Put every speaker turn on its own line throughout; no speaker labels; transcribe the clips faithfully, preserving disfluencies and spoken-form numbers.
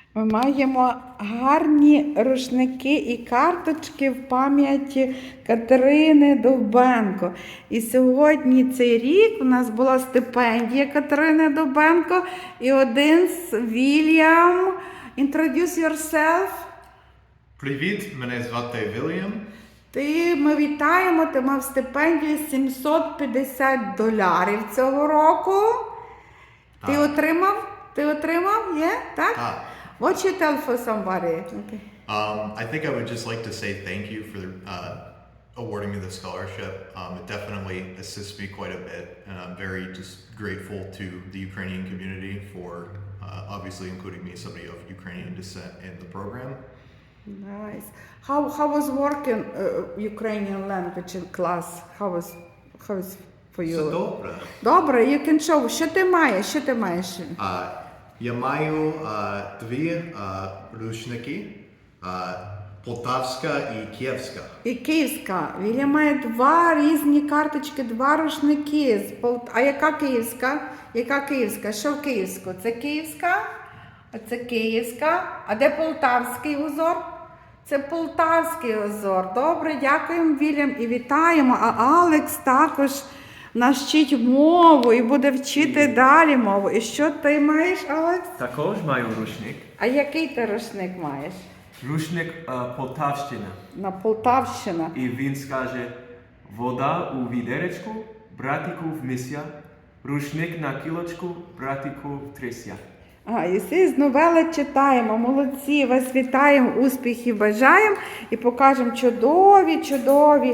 Ми маємо гарні рушники і карточки в пам'яті Катерини Довбенко. І сьогодні цей рік у нас була стипендія Катерини Довбенко і один з Вільям. Introduce yourself.
Привіт, мене звати Вільям.
Ти, ми вітаємо, ти мав стипендію сімсот п'ятдесят доларів цього року.
Так.
Ти отримав? Ти отримав? Є? Yeah? Так?
Так.
What you tell for somebody? Okay.
Um, I think I would just like to say thank you for uh, awarding me the scholarship. Um, it definitely assists me quite a bit, and I'm very just grateful to the Ukrainian community for uh, obviously including me, somebody of Ukrainian descent, in the program.
Nice. How how was working uh, Ukrainian language in class? How was how was for you?
Все добре.
Добре, you can show. Що ти маєш? Що ти маєш?
Uh, я маю uh, дві uh, рушники, uh, Полтавська і Київська.
І київська. Віля має два різні карточки, два рушники. З Пол... А яка київська? Яка київська? Що в київську? Це київська? А це київська. А де полтавський узор? Це полтавський узор. Добре, дякуємо, Вільям, і вітаємо. А Алекс також нас вчить мову і буде вчити далі мову. І що ти маєш, Алекс?
Також маю рушник.
А який ти рушник маєш?
Рушник е, Полтавщина.
На Полтавщина.
І він скаже: вода у відеречку, братику в мися, рушник на кілочку, братику в трися.
А, і всі з новели читаємо. Молодці, вас вітаємо, успіхів бажаємо і покажемо чудові, чудові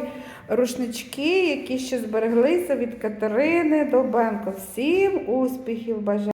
рушнички, які ще збереглися від Катерини Довбенко. Всім успіхів бажаємо.